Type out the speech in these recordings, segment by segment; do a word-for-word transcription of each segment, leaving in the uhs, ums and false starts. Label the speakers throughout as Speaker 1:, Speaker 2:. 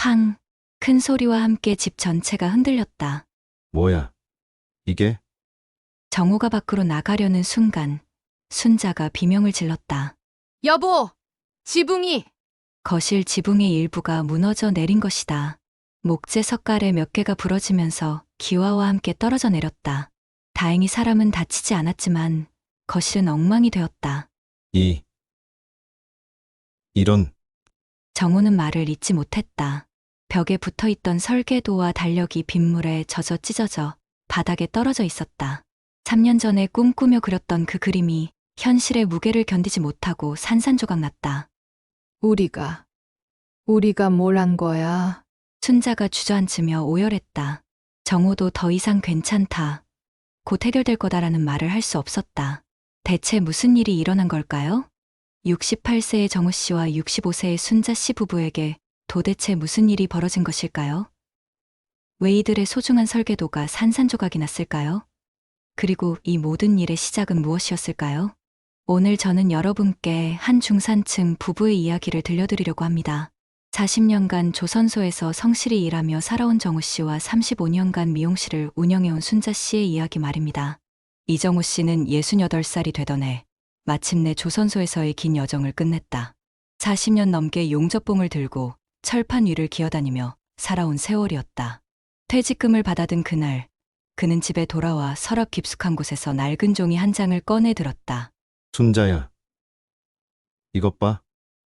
Speaker 1: 쾅! 큰 소리와 함께 집 전체가 흔들렸다.
Speaker 2: 뭐야? 이게?
Speaker 1: 정호가 밖으로 나가려는 순간 순자가 비명을 질렀다.
Speaker 3: 여보! 지붕이!
Speaker 1: 거실 지붕의 일부가 무너져 내린 것이다. 목재 석갈에 몇 개가 부러지면서 기와와 함께 떨어져 내렸다. 다행히 사람은 다치지 않았지만 거실은 엉망이 되었다.
Speaker 2: 이, 이런,
Speaker 1: 정호는 말을 잇지 못했다. 벽에 붙어 있던 설계도와 달력이 빗물에 젖어 찢어져 바닥에 떨어져 있었다. 삼 년 전에 꿈꾸며 그렸던 그 그림이 현실의 무게를 견디지 못하고 산산조각 났다.
Speaker 3: 우리가, 우리가 뭘 한 거야?
Speaker 1: 순자가 주저앉으며 오열했다. 정호도 더 이상 괜찮다. 곧 해결될 거다라는 말을 할 수 없었다. 대체 무슨 일이 일어난 걸까요? 육십팔 세의 정호 씨와 육십오 세의 순자 씨 부부에게 도대체 무슨 일이 벌어진 것일까요? 왜 이들의 소중한 설계도가 산산조각이 났을까요? 그리고 이 모든 일의 시작은 무엇이었을까요? 오늘 저는 여러분께 한 중산층 부부의 이야기를 들려드리려고 합니다. 사십 년간 조선소에서 성실히 일하며 살아온 정호 씨와 삼십오 년간 미용실을 운영해온 순자 씨의 이야기 말입니다. 이정호 씨는 예순여덟 살이 되던 해 마침내 조선소에서의 긴 여정을 끝냈다. 사십 년 넘게 용접봉을 들고 철판 위를 기어다니며 살아온 세월이었다. 퇴직금을 받아든 그날, 그는 집에 돌아와 서랍 깊숙한 곳에서 낡은 종이 한 장을 꺼내 들었다.
Speaker 2: 순자야. 이것 봐.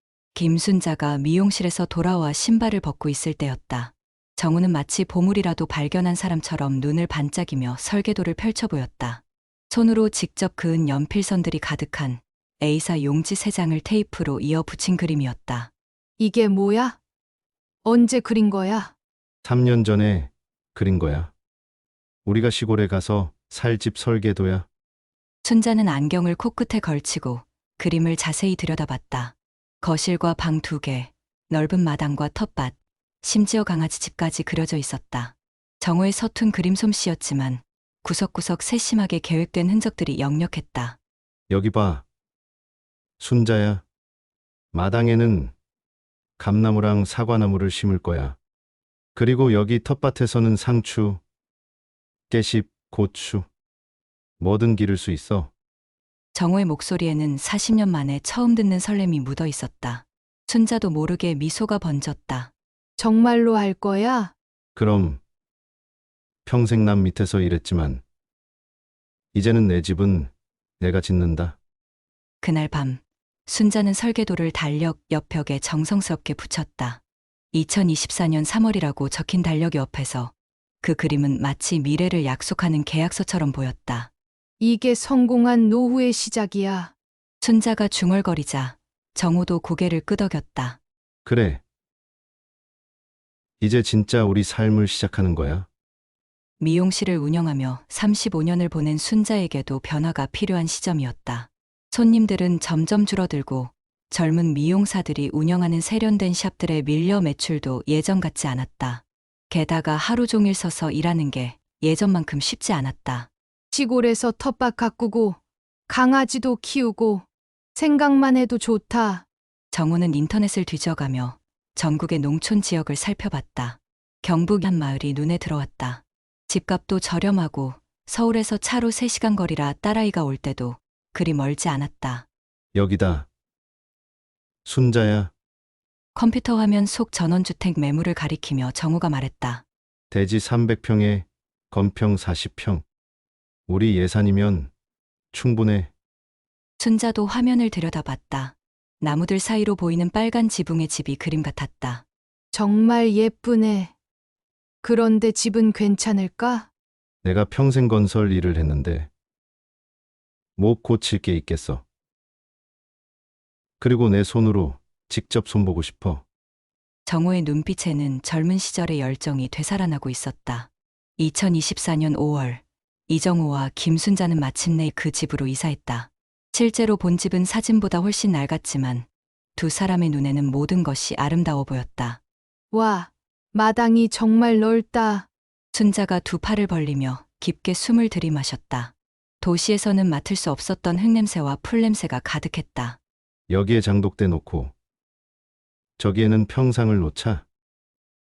Speaker 1: 김순자가 미용실에서 돌아와 신발을 벗고 있을 때였다. 정우는 마치 보물이라도 발견한 사람처럼 눈을 반짝이며 설계도를 펼쳐 보였다. 손으로 직접 그은 연필선들이 가득한 에이사 용지 세 장을 테이프로 이어 붙인 그림이었다.
Speaker 3: 이게 뭐야? 언제 그린 거야?
Speaker 2: 삼 년 전에 그린 거야. 우리가 시골에 가서 살 집 설계도야.
Speaker 1: 순자는 안경을 코끝에 걸치고 그림을 자세히 들여다봤다. 거실과 방 두 개, 넓은 마당과 텃밭, 심지어 강아지 집까지 그려져 있었다. 정호의 서툰 그림 솜씨였지만 구석구석 세심하게 계획된 흔적들이 역력했다.
Speaker 2: 여기 봐. 순자야. 마당에는 감나무랑 사과나무를 심을 거야. 그리고 여기 텃밭에서는 상추, 깨씹, 고추, 뭐든 기를 수 있어.
Speaker 1: 정호의 목소리에는 사십 년 만에 처음 듣는 설렘이 묻어 있었다. 순자도 모르게 미소가 번졌다.
Speaker 3: 정말로 할 거야?
Speaker 2: 그럼 평생 남 밑에서 일했지만 이제는 내 집은 내가 짓는다.
Speaker 1: 그날 밤, 순자는 설계도를 달력 옆벽에 정성스럽게 붙였다. 이천이십사 년 삼월이라고 적힌 달력 옆에서 그 그림은 마치 미래를 약속하는 계약서처럼 보였다.
Speaker 3: 이게 성공한 노후의 시작이야.
Speaker 1: 순자가 중얼거리자 정호도 고개를 끄덕였다.
Speaker 2: 그래. 이제 진짜 우리 삶을 시작하는 거야.
Speaker 1: 미용실을 운영하며 삼십오 년을 보낸 순자에게도 변화가 필요한 시점이었다. 손님들은 점점 줄어들고 젊은 미용사들이 운영하는 세련된 샵들의 밀려 매출도 예전 같지 않았다. 게다가 하루 종일 서서 일하는 게 예전만큼 쉽지 않았다.
Speaker 3: 시골에서 텃밭 가꾸고 강아지도 키우고 생각만 해도 좋다.
Speaker 1: 정호는 인터넷을 뒤져가며 전국의 농촌 지역을 살펴봤다. 경북 한 마을이 눈에 들어왔다. 집값도 저렴하고 서울에서 차로 세 시간 거리라 딸아이가 올 때도 그리 멀지 않았다.
Speaker 2: 여기다. 순자야.
Speaker 1: 컴퓨터 화면 속 전원주택 매물을 가리키며 정호가 말했다.
Speaker 2: 대지 삼백 평에 건평 사십 평. 우리 예산이면 충분해.
Speaker 1: 순자도 화면을 들여다봤다. 나무들 사이로 보이는 빨간 지붕의 집이 그림 같았다.
Speaker 3: 정말 예쁘네. 그런데 집은 괜찮을까?
Speaker 2: 내가 평생 건설 일을 했는데 못 고칠 게 있겠어. 그리고 내 손으로 직접 손보고 싶어.
Speaker 1: 정호의 눈빛에는 젊은 시절의 열정이 되살아나고 있었다. 이천이십사 년 오월, 이정호와 김순자는 마침내 그 집으로 이사했다. 실제로 본 집은 사진보다 훨씬 낡았지만 두 사람의 눈에는 모든 것이 아름다워 보였다.
Speaker 3: 와, 마당이 정말 넓다.
Speaker 1: 순자가 두 팔을 벌리며 깊게 숨을 들이마셨다. 도시에서는 맡을 수 없었던 흙냄새와 풀냄새가 가득했다.
Speaker 2: 여기에 장독대 놓고 저기에는 평상을 놓자.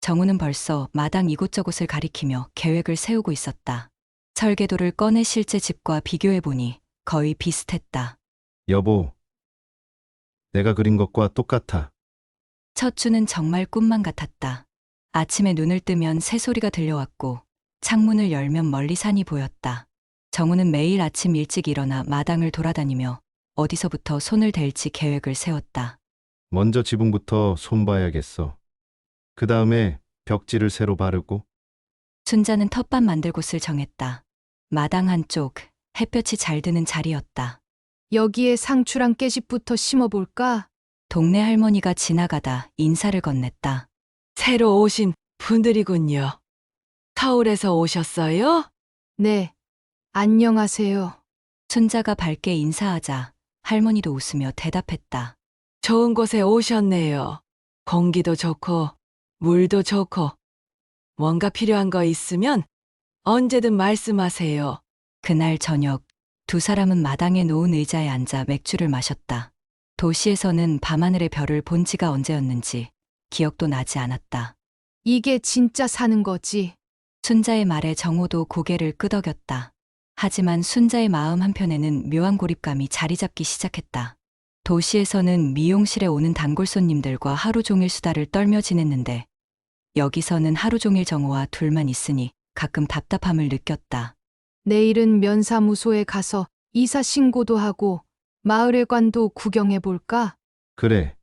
Speaker 1: 정우는 벌써 마당 이곳저곳을 가리키며 계획을 세우고 있었다. 설계도를 꺼내 실제 집과 비교해보니 거의 비슷했다.
Speaker 2: 여보, 내가 그린 것과 똑같아.
Speaker 1: 첫 주는 정말 꿈만 같았다. 아침에 눈을 뜨면 새소리가 들려왔고 창문을 열면 멀리 산이 보였다. 정우는 매일 아침 일찍 일어나 마당을 돌아다니며 어디서부터 손을 댈지 계획을 세웠다.
Speaker 2: 먼저 지붕부터 손봐야겠어. 그 다음에 벽지를 새로 바르고.
Speaker 1: 순자는 텃밭 만들 곳을 정했다. 마당 한쪽 햇볕이 잘 드는 자리였다.
Speaker 3: 여기에 상추랑 깨집부터 심어볼까?
Speaker 1: 동네 할머니가 지나가다 인사를 건넸다.
Speaker 4: 새로 오신 분들이군요. 서울에서 오셨어요?
Speaker 3: 네. 안녕하세요.
Speaker 1: 순자가 밝게 인사하자 할머니도 웃으며 대답했다.
Speaker 4: 좋은 곳에 오셨네요. 공기도 좋고, 물도 좋고, 뭔가 필요한 거 있으면 언제든 말씀하세요.
Speaker 1: 그날 저녁 두 사람은 마당에 놓은 의자에 앉아 맥주를 마셨다. 도시에서는 밤하늘의 별을 본 지가 언제였는지 기억도 나지 않았다.
Speaker 3: 이게 진짜 사는 거지.
Speaker 1: 순자의 말에 정호도 고개를 끄덕였다. 하지만 순자의 마음 한편에는 묘한 고립감이 자리 잡기 시작했다. 도시에서는 미용실에 오는 단골 손님들과 하루 종일 수다를 떨며 지냈는데 여기서는 하루 종일 정호와 둘만 있으니 가끔 답답함을 느꼈다.
Speaker 3: 내일은 면사무소에 가서 이사 신고도 하고 마을회관도 구경해 볼까?
Speaker 2: 그래.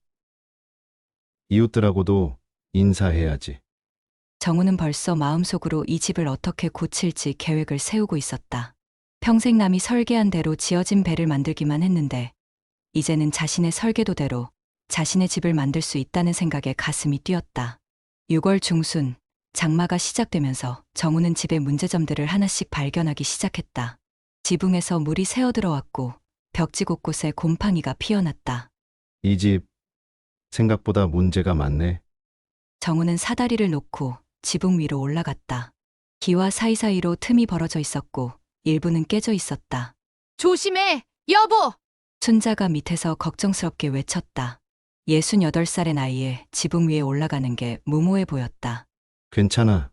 Speaker 2: 이웃들하고도 인사해야지.
Speaker 1: 정우는 벌써 마음속으로 이 집을 어떻게 고칠지 계획을 세우고 있었다. 평생 남이 설계한 대로 지어진 배를 만들기만 했는데 이제는 자신의 설계도대로 자신의 집을 만들 수 있다는 생각에 가슴이 뛰었다. 유월 중순 장마가 시작되면서 정우는 집의 문제점들을 하나씩 발견하기 시작했다. 지붕에서 물이 새어들어왔고 벽지 곳곳에 곰팡이가 피어났다.
Speaker 2: 이 집 생각보다 문제가 많네.
Speaker 1: 정우는 사다리를 놓고 지붕 위로 올라갔다. 기와 사이사이로 틈이 벌어져 있었고 일부는 깨져 있었다.
Speaker 3: 조심해! 여보!
Speaker 1: 순자가 밑에서 걱정스럽게 외쳤다. 예순여덟 살의 나이에 지붕 위에 올라가는 게 무모해 보였다.
Speaker 2: 괜찮아.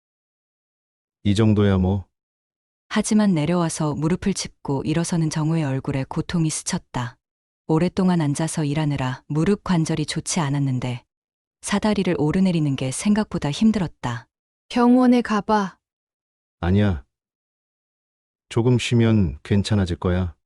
Speaker 2: 이 정도야 뭐.
Speaker 1: 하지만 내려와서 무릎을 짚고 일어서는 정우의 얼굴에 고통이 스쳤다. 오랫동안 앉아서 일하느라 무릎 관절이 좋지 않았는데 사다리를 오르내리는 게 생각보다 힘들었다.
Speaker 3: 병원에 가봐.
Speaker 2: 아니야. 조금 쉬면 괜찮아질 거야.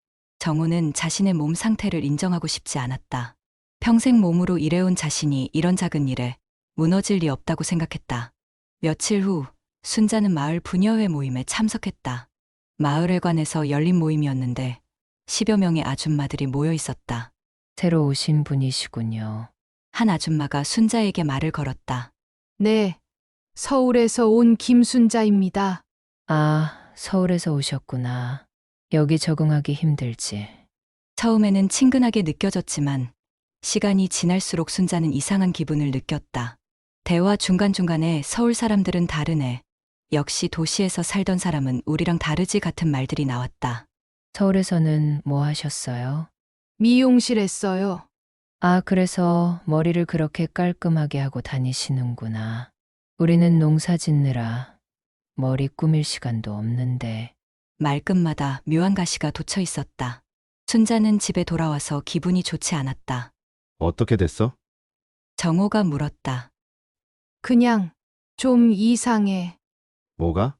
Speaker 1: 정우는 자신의 몸 상태를 인정하고 싶지 않았다. 평생 몸으로 일해온 자신이 이런 작은 일에 무너질 리 없다고 생각했다. 며칠 후 순자는 마을 부녀회 모임에 참석했다. 마을회관에서 열린 모임이었는데 십여 명의 아줌마들이 모여 있었다.
Speaker 5: 새로 오신 분이시군요.
Speaker 1: 한 아줌마가 순자에게 말을 걸었다.
Speaker 3: 네. 서울에서 온 김순자입니다.
Speaker 5: 아, 서울에서 오셨구나. 여기 적응하기 힘들지.
Speaker 1: 처음에는 친근하게 느껴졌지만 시간이 지날수록 순자는 이상한 기분을 느꼈다. 대화 중간중간에 서울 사람들은 다르네. 역시 도시에서 살던 사람은 우리랑 다르지 같은 말들이 나왔다.
Speaker 5: 서울에서는 뭐 하셨어요?
Speaker 3: 미용실 했어요.
Speaker 5: 아, 그래서 머리를 그렇게 깔끔하게 하고 다니시는구나. 우리는 농사 짓느라 머리 꾸밀 시간도 없는데.
Speaker 1: 말끝마다 묘한 가시가 돋쳐 있었다. 순자는 집에 돌아와서 기분이 좋지 않았다.
Speaker 2: 어떻게 됐어?
Speaker 1: 정호가 물었다.
Speaker 3: 그냥 좀 이상해.
Speaker 2: 뭐가?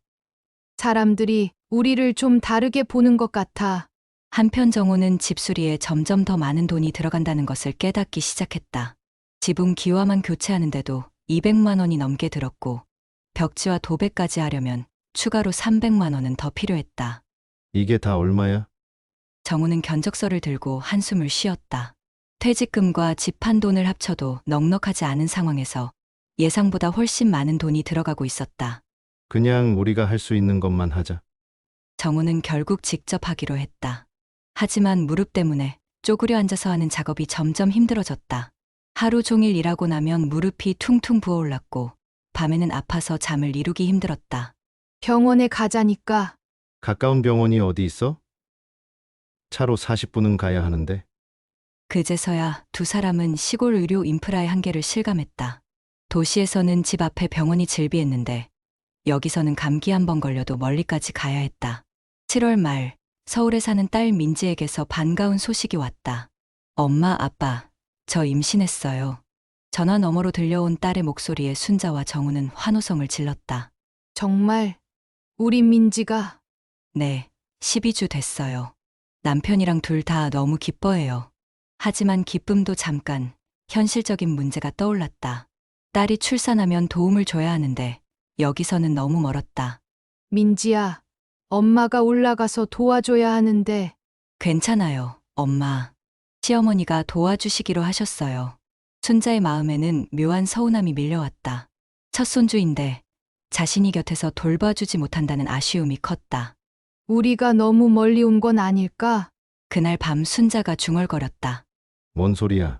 Speaker 3: 사람들이 우리를 좀 다르게 보는 것 같아.
Speaker 1: 한편 정호는 집수리에 점점 더 많은 돈이 들어간다는 것을 깨닫기 시작했다. 지붕 기와만 교체하는데도 이백만 원이 넘게 들었고 벽지와 도배까지 하려면 추가로 삼백만 원은 더 필요했다.
Speaker 2: 이게 다 얼마야?
Speaker 1: 정우는 견적서를 들고 한숨을 쉬었다. 퇴직금과 집 판 돈을 합쳐도 넉넉하지 않은 상황에서 예상보다 훨씬 많은 돈이 들어가고 있었다.
Speaker 2: 그냥 우리가 할 수 있는 것만 하자.
Speaker 1: 정우는 결국 직접 하기로 했다. 하지만 무릎 때문에 쪼그려 앉아서 하는 작업이 점점 힘들어졌다. 하루 종일 일하고 나면 무릎이 퉁퉁 부어올랐고 밤에는 아파서 잠을 이루기 힘들었다.
Speaker 3: 병원에 가자니까.
Speaker 2: 가까운 병원이 어디 있어? 차로 사십 분은 가야 하는데.
Speaker 1: 그제서야 두 사람은 시골 의료 인프라의 한계를 실감했다. 도시에서는 집 앞에 병원이 즐비했는데 여기서는 감기 한 번 걸려도 멀리까지 가야 했다. 칠월 말 서울에 사는 딸 민지에게서 반가운 소식이 왔다. 엄마, 아빠, 저 임신했어요. 전화 너머로 들려온 딸의 목소리에 순자와 정우는 환호성을 질렀다.
Speaker 3: 정말 우리 민지가
Speaker 1: 네, 십이 주 됐어요. 남편이랑 둘 다 너무 기뻐해요. 하지만 기쁨도 잠깐 현실적인 문제가 떠올랐다. 딸이 출산하면 도움을 줘야 하는데 여기서는 너무 멀었다.
Speaker 3: 민지야, 엄마가 올라가서 도와줘야 하는데
Speaker 1: 괜찮아요, 엄마. 시어머니가 도와주시기로 하셨어요. 순자의 마음에는 묘한 서운함이 밀려왔다. 첫 손주인데 자신이 곁에서 돌봐주지 못한다는 아쉬움이 컸다.
Speaker 3: 우리가 너무 멀리 온 건 아닐까?
Speaker 1: 그날 밤 순자가 중얼거렸다.
Speaker 2: 뭔 소리야?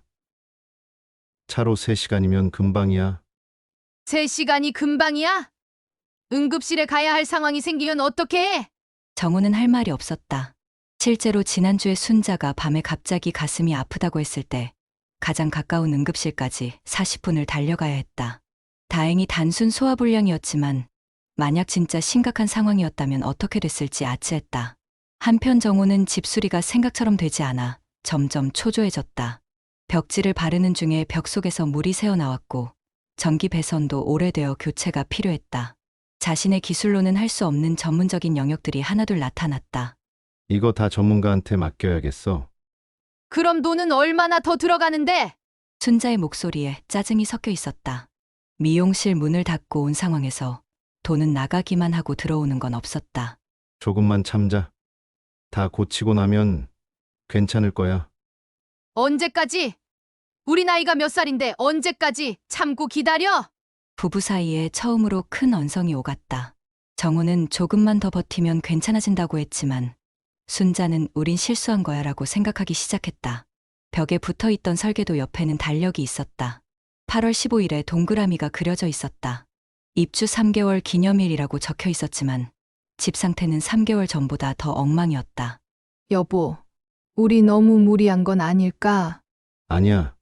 Speaker 2: 차로 세 시간이면 금방이야.
Speaker 3: 세 시간이 금방이야? 응급실에 가야 할 상황이 생기면 어떻게 해?
Speaker 1: 정우는 할 말이 없었다. 실제로 지난주에 순자가 밤에 갑자기 가슴이 아프다고 했을 때 가장 가까운 응급실까지 사십 분을 달려가야 했다. 다행히 단순 소화불량이었지만 만약 진짜 심각한 상황이었다면 어떻게 됐을지 아찔했다. 한편 정우는 집수리가 생각처럼 되지 않아 점점 초조해졌다. 벽지를 바르는 중에 벽 속에서 물이 새어나왔고 전기 배선도 오래되어 교체가 필요했다. 자신의 기술로는 할 수 없는 전문적인 영역들이 하나둘 나타났다.
Speaker 2: 이거 다 전문가한테 맡겨야겠어.
Speaker 3: 그럼 돈은 얼마나 더 들어가는데?
Speaker 1: 순자의 목소리에 짜증이 섞여 있었다. 미용실 문을 닫고 온 상황에서 돈은 나가기만 하고 들어오는 건 없었다.
Speaker 2: 조금만 참자. 다 고치고 나면 괜찮을 거야.
Speaker 3: 언제까지? 우리 나이가 몇 살인데 언제까지 참고 기다려?
Speaker 1: 부부 사이에 처음으로 큰 언성이 오갔다. 정우는 조금만 더 버티면 괜찮아진다고 했지만 순자는 우린 실수한 거야 라고 생각하기 시작했다. 벽에 붙어 있던 설계도 옆에는 달력이 있었다. 팔월 십오일에 동그라미가 그려져 있었다. 입주 삼 개월 기념일이라고 적혀 있었지만 집 상태는 삼 개월 전보다 더 엉망이었다.
Speaker 3: 여보, 우리 너무 무리한 건 아닐까?
Speaker 2: 아니야.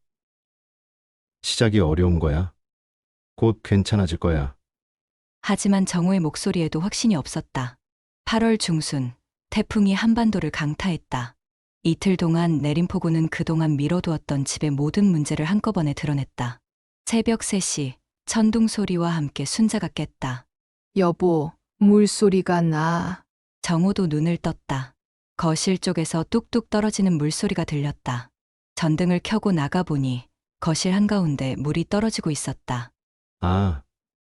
Speaker 2: 시작이 어려운 거야. 곧 괜찮아질 거야.
Speaker 1: 하지만 정우의 목소리에도 확신이 없었다. 팔월 중순, 태풍이 한반도를 강타했다. 이틀 동안 내린 폭우는 그동안 미뤄두었던 집의 모든 문제를 한꺼번에 드러냈다. 새벽 세 시, 천둥 소리와 함께 순자가 깼다.
Speaker 3: 여보, 물소리가 나.
Speaker 1: 정우도 눈을 떴다. 거실 쪽에서 뚝뚝 떨어지는 물소리가 들렸다. 전등을 켜고 나가보니 거실 한가운데 물이 떨어지고 있었다.
Speaker 2: 아,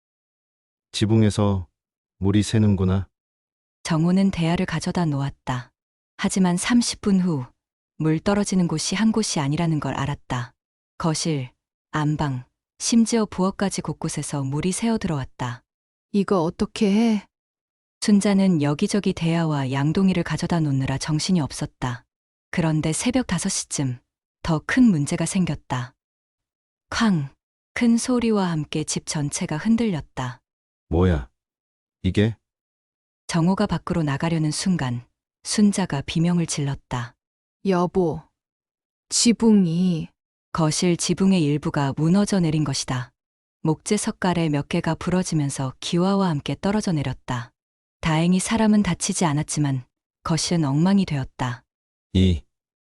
Speaker 2: 지붕에서 물이 새는구나.
Speaker 1: 정우는 대야를 가져다 놓았다. 하지만 삼십 분 후, 물 떨어지는 곳이 한 곳이 아니라는 걸 알았다. 거실, 안방, 심지어 부엌까지 곳곳에서 물이 새어 들어왔다.
Speaker 3: 이거 어떻게 해?
Speaker 1: 순자는 여기저기 대야와 양동이를 가져다 놓느라 정신이 없었다. 그런데 새벽 다섯 시쯤 더 큰 문제가 생겼다. 쾅! 큰 소리와 함께 집 전체가 흔들렸다.
Speaker 2: 뭐야? 이게?
Speaker 1: 정호가 밖으로 나가려는 순간 순자가 비명을 질렀다.
Speaker 3: 여보, 지붕이.
Speaker 1: 거실 지붕의 일부가 무너져 내린 것이다. 목재 석갈에 몇 개가 부러지면서 기와와 함께 떨어져 내렸다. 다행히 사람은 다치지 않았지만 거실은 엉망이 되었다.
Speaker 2: 이,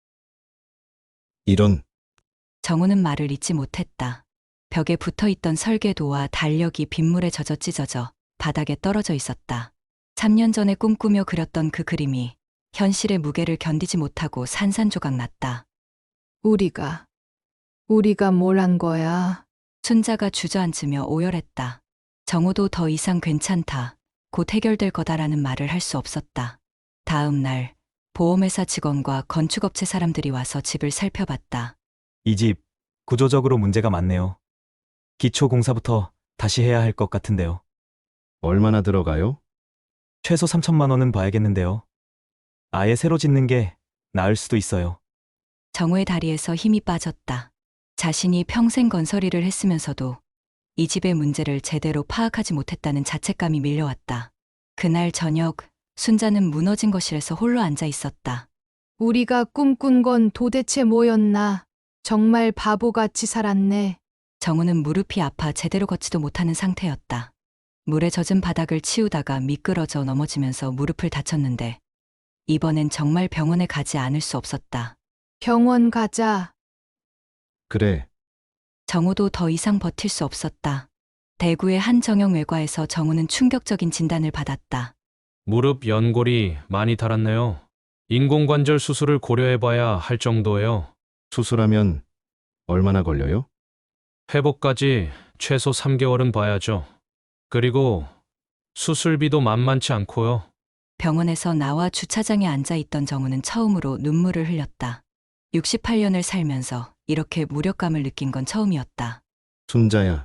Speaker 2: 이런,
Speaker 1: 정우는 말을 잇지 못했다. 벽에 붙어 있던 설계도와 달력이 빗물에 젖어 찢어져 바닥에 떨어져 있었다. 삼 년 전에 꿈꾸며 그렸던 그 그림이 현실의 무게를 견디지 못하고 산산조각 났다.
Speaker 3: 우리가, 우리가 뭘 한 거야?
Speaker 1: 순자가 주저앉으며 오열했다. 정우도 더 이상 괜찮다. 곧 해결될 거다라는 말을 할 수 없었다. 다음 날 보험회사 직원과 건축업체 사람들이 와서 집을 살펴봤다.
Speaker 6: 이 집 구조적으로 문제가 많네요. 기초 공사부터 다시 해야 할 것 같은데요.
Speaker 2: 얼마나 들어가요?
Speaker 6: 최소 삼천만 원은 봐야겠는데요. 아예 새로 짓는 게 나을 수도 있어요.
Speaker 1: 정우의 다리에서 힘이 빠졌다. 자신이 평생 건설 일을 했으면서도 이 집의 문제를 제대로 파악하지 못했다는 자책감이 밀려왔다. 그날 저녁 순자는 무너진 거실에서 홀로 앉아 있었다.
Speaker 3: 우리가 꿈꾼 건 도대체 뭐였나? 정말 바보같이 살았네.
Speaker 1: 정우는 무릎이 아파 제대로 걷지도 못하는 상태였다. 물에 젖은 바닥을 치우다가 미끄러져 넘어지면서 무릎을 다쳤는데 이번엔 정말 병원에 가지 않을 수 없었다.
Speaker 3: 병원 가자.
Speaker 2: 그래,
Speaker 1: 정우도 더 이상 버틸 수 없었다. 대구의 한 정형 외과에서 정우는 충격적인 진단을 받았다.
Speaker 7: 무릎 연골이 많이 닳았네요. 인공관절 수술을 고려해봐야 할 정도예요.
Speaker 2: 수술하면 얼마나 걸려요?
Speaker 7: 회복까지 최소 삼 개월은 봐야죠. 그리고 수술비도 만만치 않고요.
Speaker 1: 병원에서 나와 주차장에 앉아 있던 정우는 처음으로 눈물을 흘렸다. 육십팔 년을 살면서 이렇게 무력감을 느낀 건 처음이었다.
Speaker 2: 순자야,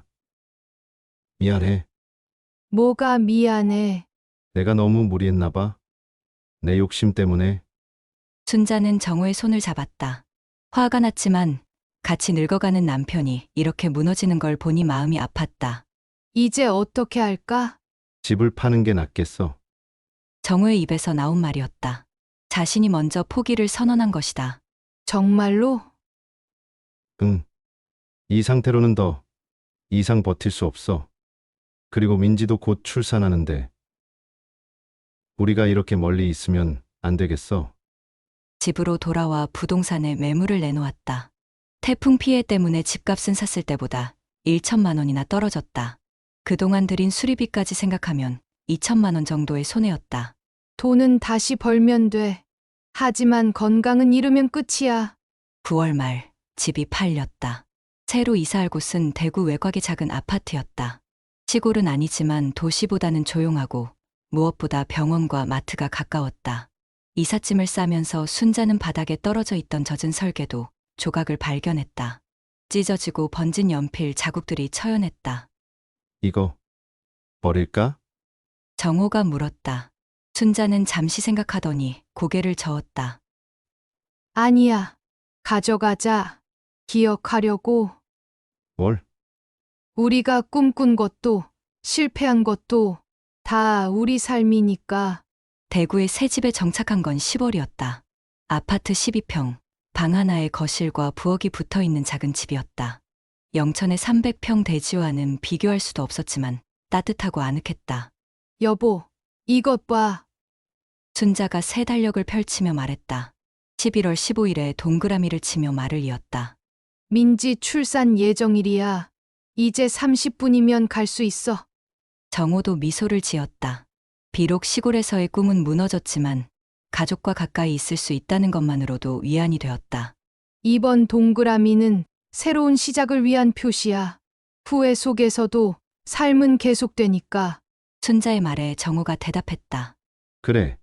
Speaker 2: 미안해.
Speaker 3: 뭐가 미안해.
Speaker 2: 내가 너무 무리했나 봐. 내 욕심 때문에.
Speaker 1: 순자는 정우의 손을 잡았다. 화가 났지만 같이 늙어가는 남편이 이렇게 무너지는 걸 보니 마음이 아팠다.
Speaker 3: 이제 어떻게 할까?
Speaker 2: 집을 파는 게 낫겠어.
Speaker 1: 정우의 입에서 나온 말이었다. 자신이 먼저 포기를 선언한 것이다.
Speaker 3: 정말로?
Speaker 2: 응. 이 상태로는 더 이상 버틸 수 없어. 그리고 민지도 곧 출산하는데. 우리가 이렇게 멀리 있으면 안 되겠어.
Speaker 1: 집으로 돌아와 부동산에 매물을 내놓았다. 태풍 피해 때문에 집값은 샀을 때보다 천만 원이나 떨어졌다. 그동안 들인 수리비까지 생각하면 이천만 원 정도의 손해였다.
Speaker 3: 돈은 다시 벌면 돼. 하지만 건강은 잃으면 끝이야.
Speaker 1: 구월 말 집이 팔렸다. 새로 이사할 곳은 대구 외곽의 작은 아파트였다. 시골은 아니지만 도시보다는 조용하고 무엇보다 병원과 마트가 가까웠다. 이삿짐을 싸면서 순자는 바닥에 떨어져 있던 젖은 설계도 조각을 발견했다. 찢어지고 번진 연필 자국들이 처연했다.
Speaker 2: 이거 버릴까?
Speaker 1: 정호가 물었다. 순자는 잠시 생각하더니 고개를 저었다.
Speaker 3: 아니야. 가져가자. 기억하려고.
Speaker 2: 뭘?
Speaker 3: 우리가 꿈꾼 것도 실패한 것도 다 우리 삶이니까.
Speaker 1: 대구의 새 집에 정착한 건 시월이었다. 아파트 십이 평, 방 하나에 거실과 부엌이 붙어 있는 작은 집이었다. 영천의 삼백 평 대지와는 비교할 수도 없었지만 따뜻하고 아늑했다.
Speaker 3: 여보, 이것 봐.
Speaker 1: 순자가 새 달력을 펼치며 말했다. 십일월 십오일에 동그라미를 치며 말을 이었다.
Speaker 3: 민지 출산 예정일이야. 이제 삼십 분이면 갈 수 있어.
Speaker 1: 정호도 미소를 지었다. 비록 시골에서의 꿈은 무너졌지만 가족과 가까이 있을 수 있다는 것만으로도 위안이 되었다.
Speaker 3: 이번 동그라미는 새로운 시작을 위한 표시야. 후회 속에서도 삶은 계속되니까.
Speaker 1: 순자의 말에 정호가 대답했다.
Speaker 2: 그래.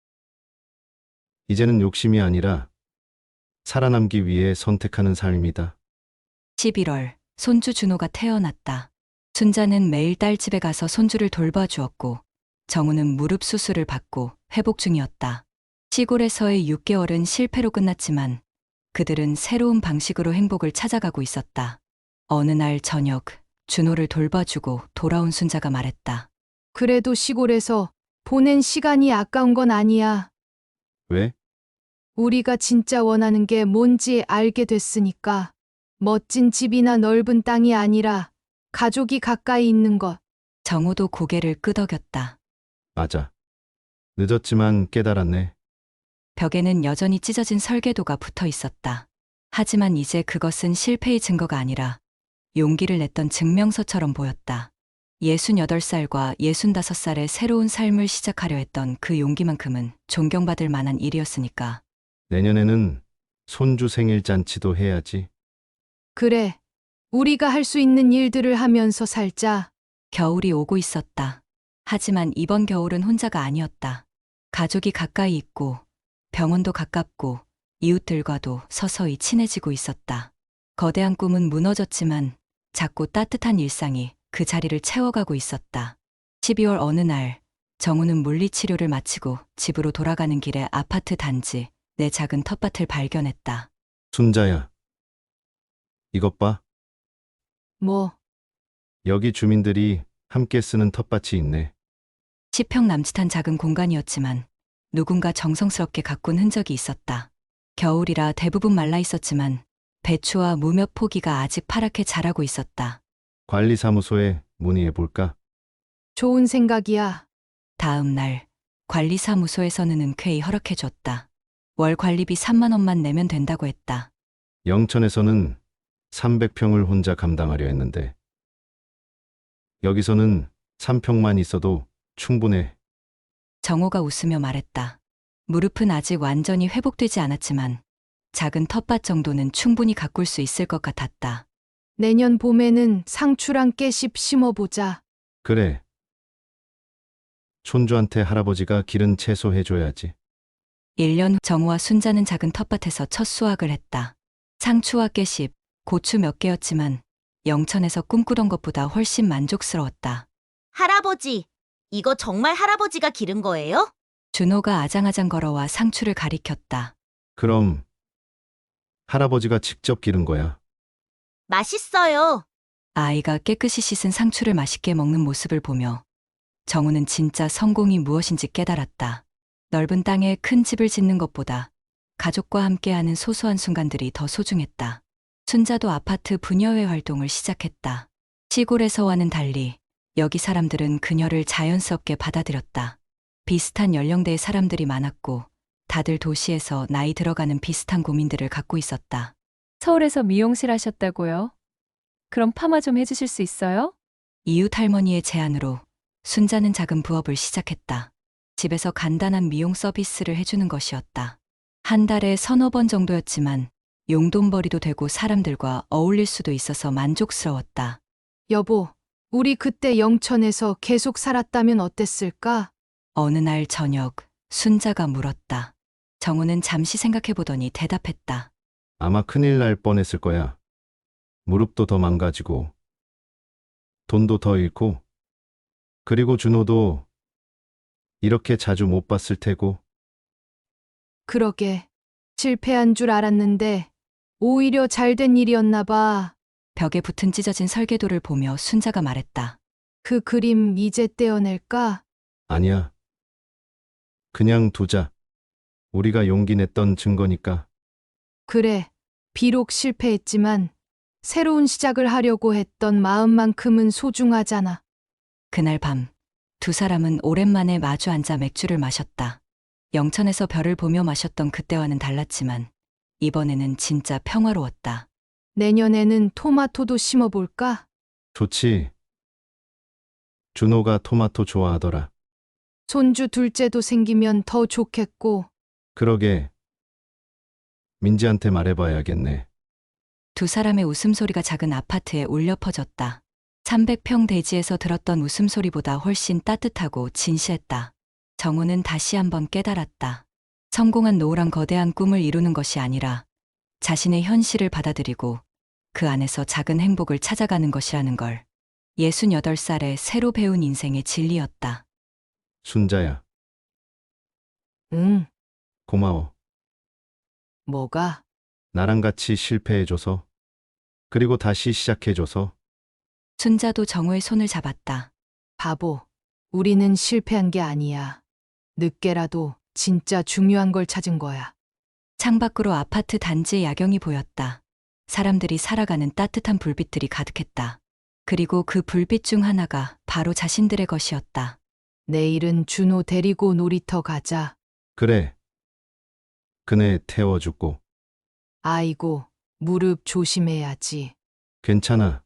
Speaker 2: 이제는 욕심이 아니라 살아남기 위해 선택하는 삶이다.
Speaker 1: 십일월, 손주 준호가 태어났다. 순자는 매일 딸 집에 가서 손주를 돌봐주었고 정우는 무릎 수술을 받고 회복 중이었다. 시골에서의 육 개월은 실패로 끝났지만 그들은 새로운 방식으로 행복을 찾아가고 있었다. 어느 날 저녁, 준호를 돌봐주고 돌아온 순자가 말했다.
Speaker 3: 그래도 시골에서 보낸 시간이 아까운 건 아니야.
Speaker 2: 왜?
Speaker 3: 우리가 진짜 원하는 게 뭔지 알게 됐으니까. 멋진 집이나 넓은 땅이 아니라 가족이 가까이 있는 것.
Speaker 1: 정우도 고개를 끄덕였다.
Speaker 2: 맞아. 늦었지만 깨달았네.
Speaker 1: 벽에는 여전히 찢어진 설계도가 붙어 있었다. 하지만 이제 그것은 실패의 증거가 아니라 용기를 냈던 증명서처럼 보였다. 예순여덟 살과 예순다섯 살의 새로운 삶을 시작하려 했던 그 용기만큼은 존경받을 만한 일이었으니까.
Speaker 2: 내년에는 손주 생일 잔치도 해야지.
Speaker 3: 그래. 우리가 할 수 있는 일들을 하면서 살자.
Speaker 1: 겨울이 오고 있었다. 하지만 이번 겨울은 혼자가 아니었다. 가족이 가까이 있고 병원도 가깝고 이웃들과도 서서히 친해지고 있었다. 거대한 꿈은 무너졌지만 작고 따뜻한 일상이 그 자리를 채워가고 있었다. 십이월 어느 날 정우는 물리치료를 마치고 집으로 돌아가는 길에 아파트 단지 내 작은 텃밭을 발견했다.
Speaker 2: 순자야. 이것 봐.
Speaker 3: 뭐,
Speaker 2: 여기 주민들이 함께 쓰는 텃밭이 있네.
Speaker 1: 십 평 남짓한 작은 공간이었지만 누군가 정성스럽게 가꾼 흔적이 있었다. 겨울이라 대부분 말라 있었지만 배추와 무 몇 포기가 아직 파랗게 자라고 있었다.
Speaker 2: 관리사무소에 문의해 볼까?
Speaker 3: 좋은 생각이야.
Speaker 1: 다음 날 관리사무소에서는 흔쾌히 허락해줬다. 월 관리비 삼만 원만 내면 된다고 했다.
Speaker 2: 영천에서는 삼백 평을 혼자 감당하려 했는데 여기서는 삼 평만 있어도 충분해.
Speaker 1: 정호가 웃으며 말했다. 무릎은 아직 완전히 회복되지 않았지만 작은 텃밭 정도는 충분히 가꿀 수 있을 것 같았다.
Speaker 3: 내년 봄에는 상추랑 깨씹 심어보자.
Speaker 2: 그래. 촌주한테 할아버지가 기른 채소 해줘야지.
Speaker 1: 일 년 후 정호와 순자는 작은 텃밭에서 첫 수확을 했다. 상추와 깨씹, 고추 몇 개였지만 영천에서 꿈꾸던 것보다 훨씬 만족스러웠다.
Speaker 8: 할아버지, 이거 정말 할아버지가 기른 거예요?
Speaker 1: 준호가 아장아장 걸어와 상추를 가리켰다.
Speaker 2: 그럼 할아버지가 직접 기른 거야.
Speaker 8: 맛있어요.
Speaker 1: 아이가 깨끗이 씻은 상추를 맛있게 먹는 모습을 보며 정우는 진짜 성공이 무엇인지 깨달았다. 넓은 땅에 큰 집을 짓는 것보다 가족과 함께하는 소소한 순간들이 더 소중했다. 순자도 아파트 분여회 활동을 시작했다. 시골에서와는 달리 여기 사람들은 그녀를 자연스럽게 받아들였다. 비슷한 연령대의 사람들이 많았고 다들 도시에서 나이 들어가는 비슷한 고민들을 갖고 있었다.
Speaker 5: 서울에서 미용실 하셨다고요? 그럼 파마 좀 해주실 수 있어요?
Speaker 1: 이웃 할머니의 제안으로 순자는 작은 부업을 시작했다. 집에서 간단한 미용 서비스를 해주는 것이었다. 한 달에 서너 번 정도였지만 용돈벌이도 되고 사람들과 어울릴 수도 있어서 만족스러웠다.
Speaker 3: 여보, 우리 그때 영천에서 계속 살았다면 어땠을까?
Speaker 1: 어느 날 저녁 순자가 물었다. 정우는 잠시 생각해보더니 대답했다.
Speaker 2: 아마 큰일 날 뻔했을 거야. 무릎도 더 망가지고 돈도 더 잃고 그리고 준호도 이렇게 자주 못 봤을 테고.
Speaker 3: 그러게. 실패한 줄 알았는데 오히려 잘된 일이었나 봐.
Speaker 1: 벽에 붙은 찢어진 설계도를 보며 순자가 말했다.
Speaker 3: 그 그림 이제 떼어낼까?
Speaker 2: 아니야. 그냥 두자. 우리가 용기 냈던 증거니까.
Speaker 3: 그래. 비록 실패했지만 새로운 시작을 하려고 했던 마음만큼은 소중하잖아.
Speaker 1: 그날 밤 두 사람은 오랜만에 마주 앉아 맥주를 마셨다. 영천에서 별을 보며 마셨던 그때와는 달랐지만 이번에는 진짜 평화로웠다.
Speaker 3: 내년에는 토마토도 심어볼까?
Speaker 2: 좋지. 준호가 토마토 좋아하더라.
Speaker 3: 손주 둘째도 생기면 더 좋겠고.
Speaker 2: 그러게. 민지한테 말해봐야겠네.
Speaker 1: 두 사람의 웃음소리가 작은 아파트에 울려 퍼졌다. 삼백 평 대지에서 들었던 웃음소리보다 훨씬 따뜻하고 진시했다. 정우는 다시 한번 깨달았다. 성공한 노후란 거대한 꿈을 이루는 것이 아니라 자신의 현실을 받아들이고 그 안에서 작은 행복을 찾아가는 것이라는 걸. 예순여덟 살에 새로 배운 인생의 진리였다.
Speaker 2: 순자야,
Speaker 3: 응,
Speaker 2: 고마워.
Speaker 3: 뭐가?
Speaker 2: 나랑 같이 실패해줘서. 그리고 다시 시작해줘서.
Speaker 1: 순자도 정우의 손을 잡았다.
Speaker 3: 바보. 우리는 실패한 게 아니야. 늦게라도 진짜 중요한 걸 찾은 거야.
Speaker 1: 창밖으로 아파트 단지의 야경이 보였다. 사람들이 살아가는 따뜻한 불빛들이 가득했다. 그리고 그 불빛 중 하나가 바로 자신들의 것이었다.
Speaker 3: 내일은 준호 데리고 놀이터 가자.
Speaker 2: 그래. 그네 태워주고.
Speaker 3: 아이고, 무릎 조심해야지.
Speaker 2: 괜찮아.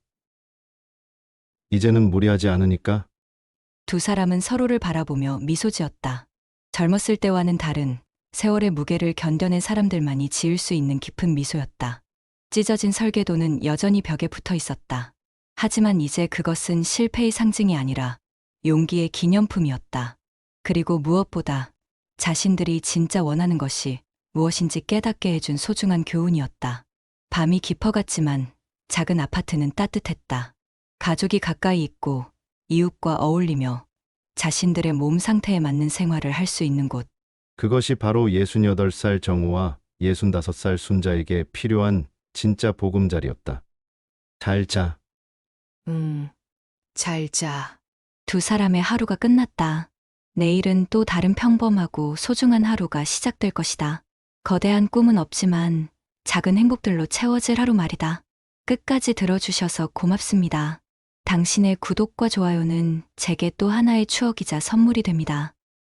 Speaker 2: 이제는 무리하지 않으니까.
Speaker 1: 두 사람은 서로를 바라보며 미소 지었다. 젊었을 때와는 다른 세월의 무게를 견뎌낸 사람들만이 지을 수 있는 깊은 미소였다. 찢어진 설계도는 여전히 벽에 붙어 있었다. 하지만 이제 그것은 실패의 상징이 아니라 용기의 기념품이었다. 그리고 무엇보다 자신들이 진짜 원하는 것이 무엇인지 깨닫게 해준 소중한 교훈이었다. 밤이 깊어갔지만 작은 아파트는 따뜻했다. 가족이 가까이 있고 이웃과 어울리며 자신들의 몸 상태에 맞는 생활을 할 수 있는 곳.
Speaker 2: 그것이 바로 예순여덟 살 정우와 예순다섯 살 순자에게 필요한 진짜 보금자리였다. 잘 자.
Speaker 3: 음, 잘 자.
Speaker 1: 두 사람의 하루가 끝났다. 내일은 또 다른 평범하고 소중한 하루가 시작될 것이다. 거대한 꿈은 없지만 작은 행복들로 채워질 하루 말이다. 끝까지 들어주셔서 고맙습니다. 당신의 구독과 좋아요는 제게 또 하나의 추억이자 선물이 됩니다.